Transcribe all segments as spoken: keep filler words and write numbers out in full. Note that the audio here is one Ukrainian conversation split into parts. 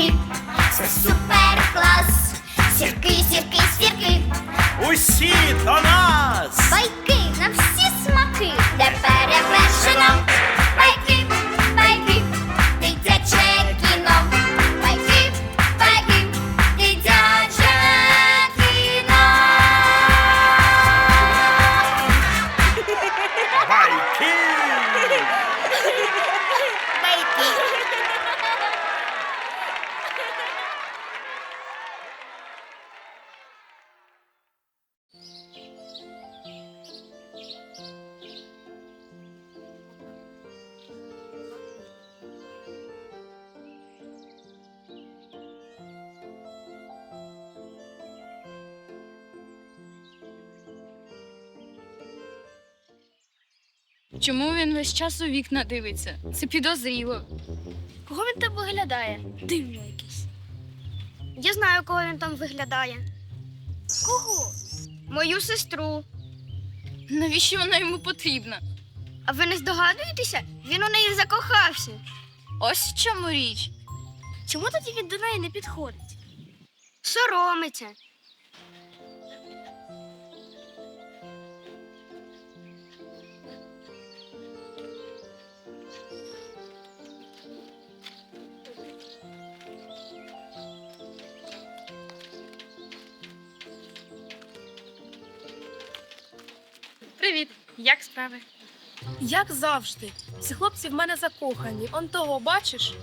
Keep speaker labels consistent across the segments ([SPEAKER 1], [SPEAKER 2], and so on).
[SPEAKER 1] сірки, це супер клас. Сірки, сірки, сірки,
[SPEAKER 2] Усі до нас!
[SPEAKER 1] байки на всі смаки, де перевершено. Байки, байки, дитяче кіно. Байки, байки, дитяче кіно.
[SPEAKER 2] Байки!
[SPEAKER 3] Чому він весь час у вікна дивиться? Це підозріло.
[SPEAKER 4] Кого він там виглядає? Дивно якийсь. Я знаю, кого він там виглядає. Кого? Мою сестру.
[SPEAKER 3] Навіщо вона йому потрібна?
[SPEAKER 4] А ви не здогадуєтеся? Він у неї закохався.
[SPEAKER 3] Ось в чому річ.
[SPEAKER 4] Чому тоді він до неї не підходить? Соромиться.
[SPEAKER 3] Привіт, як справи?
[SPEAKER 5] Як завжди. Ці хлопці в мене закохані. Он того, бачиш?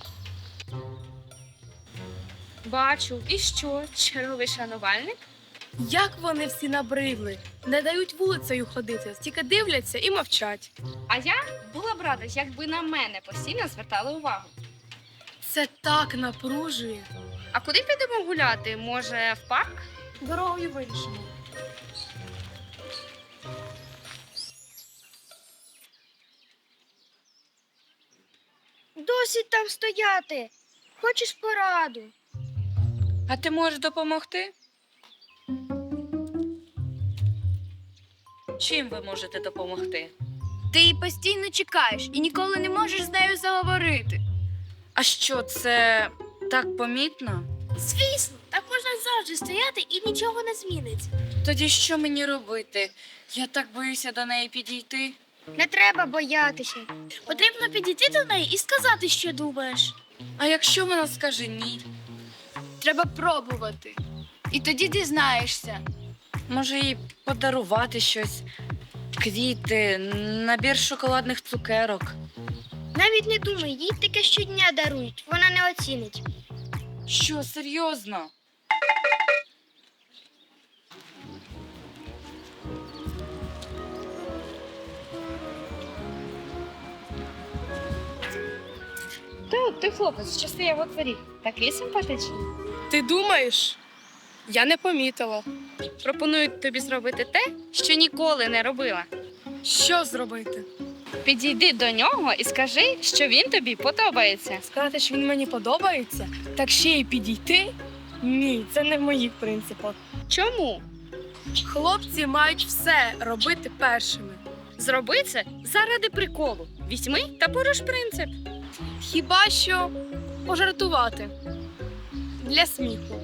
[SPEAKER 3] Бачу. І що? Черговий шанувальник?
[SPEAKER 5] Як вони всі набридли. Не дають вулицею ходити, тільки дивляться і мовчать.
[SPEAKER 3] А я була б рада, якби на мене постійно звертали увагу.
[SPEAKER 5] Це так напружує.
[SPEAKER 3] А куди підемо гуляти? Може, в парк?
[SPEAKER 5] Дорогою вирішимо.
[SPEAKER 4] Досить там стояти. Хочеш пораду?
[SPEAKER 3] А ти можеш допомогти? Чим ви можете допомогти? Ти її постійно чекаєш і ніколи не можеш з нею заговорити. А що, це так помітно?
[SPEAKER 4] Звісно, так можна завжди стояти і нічого не зміниться.
[SPEAKER 3] Тоді що мені робити? Я так боюся до неї підійти.
[SPEAKER 4] Не треба боятися. Потрібно підійти до неї і сказати, що думаєш.
[SPEAKER 3] А якщо вона скаже ні? Треба пробувати. І тоді дізнаєшся. Може, їй подарувати щось, квіти, набір шоколадних цукерок.
[SPEAKER 4] Навіть не думай, їй таке щодня дарують, вона не оцінить.
[SPEAKER 3] Що, серйозно? Ти, ти хлопець, що стояв у дворі. Такий симпатичний.
[SPEAKER 5] Ти думаєш? Я не помітила.
[SPEAKER 3] Пропоную тобі зробити те, що ніколи не робила.
[SPEAKER 5] Що зробити?
[SPEAKER 3] Підійди до нього і скажи, що він тобі подобається.
[SPEAKER 5] Сказати, що він мені подобається? Так ще й підійти? Ні, це не в моїх принципах.
[SPEAKER 3] Чому?
[SPEAKER 5] Хлопці мають все робити першими.
[SPEAKER 3] Зроби це заради приколу. Візьми та поруш принцип.
[SPEAKER 5] Хіба що пожартувати. Для сміху.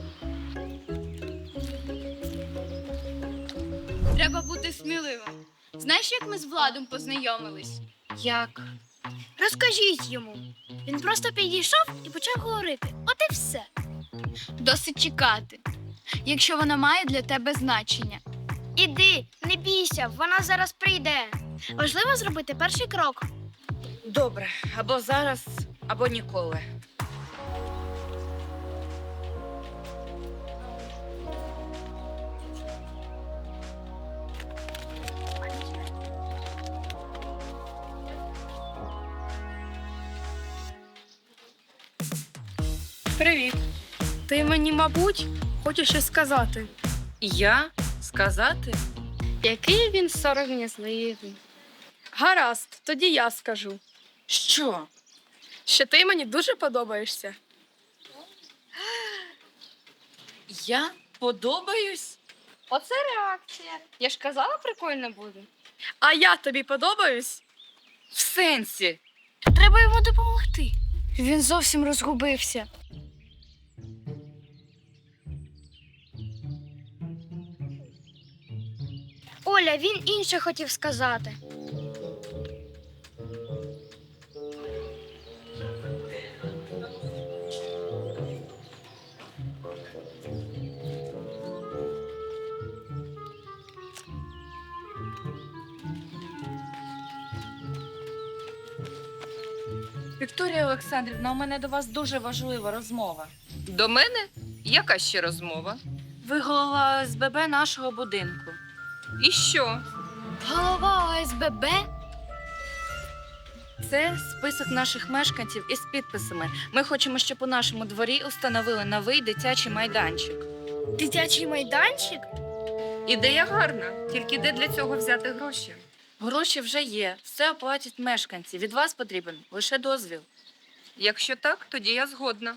[SPEAKER 3] Треба бути сміливим. Знаєш, як ми з Владом познайомились? Як?
[SPEAKER 4] Розкажіть йому. Він просто підійшов і почав говорити. От і все.
[SPEAKER 3] Досить чекати, якщо вона має для тебе значення.
[SPEAKER 4] Іди, не бійся, вона зараз прийде. Важливо зробити перший крок.
[SPEAKER 3] Добре, або зараз, або ніколи.
[SPEAKER 5] Привіт. Ти мені, мабуть, хочеш щось сказати?
[SPEAKER 3] Я? Сказати? Який він сором'язливий.
[SPEAKER 5] Гаразд, тоді я скажу.
[SPEAKER 3] Що?
[SPEAKER 5] Що ти мені дуже подобаєшся.
[SPEAKER 3] Я подобаюсь? Оце реакція. Я ж казала, прикольно буде.
[SPEAKER 5] А я тобі подобаюсь?
[SPEAKER 3] В сенсі?
[SPEAKER 4] Треба йому допомогти.
[SPEAKER 3] Він зовсім розгубився.
[SPEAKER 4] Оля, він інше хотів сказати.
[SPEAKER 3] Вікторія Олександрівна, у мене до вас дуже важлива розмова.
[SPEAKER 6] До мене? Яка ще розмова?
[SPEAKER 3] Ви голова О С Б Б нашого будинку.
[SPEAKER 6] І що?
[SPEAKER 4] Голова О С Б Б?
[SPEAKER 3] Це список наших мешканців із підписами. Ми хочемо, щоб у нашому дворі установили новий дитячий майданчик.
[SPEAKER 4] Дитячий майданчик?
[SPEAKER 6] Ідея гарна, тільки де для цього взяти гроші?
[SPEAKER 3] Гроші вже є, все оплатять мешканці. Від вас потрібен лише дозвіл.
[SPEAKER 6] Якщо так, тоді я згодна.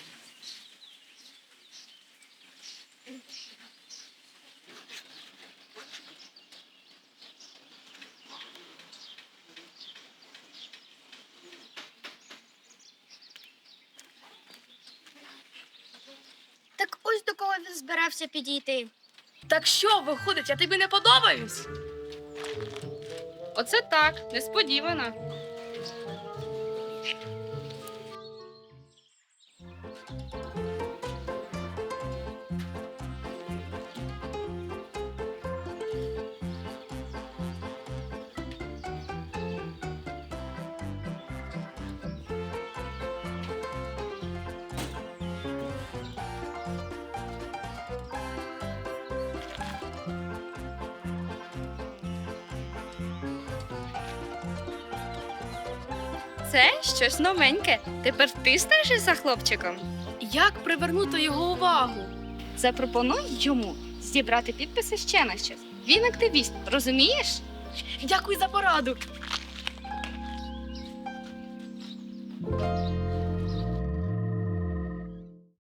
[SPEAKER 4] Так ось до кого він збирався підійти.
[SPEAKER 5] Так що, виходить, я тобі не подобаюсь?
[SPEAKER 6] Оце так, несподівано.
[SPEAKER 4] Це щось новеньке. Тепер ти стежиш за хлопчиком?
[SPEAKER 5] Як привернути його увагу?
[SPEAKER 4] Запропонуй йому зібрати підписи ще на щось. Він активіст, розумієш?
[SPEAKER 5] Дякую за пораду.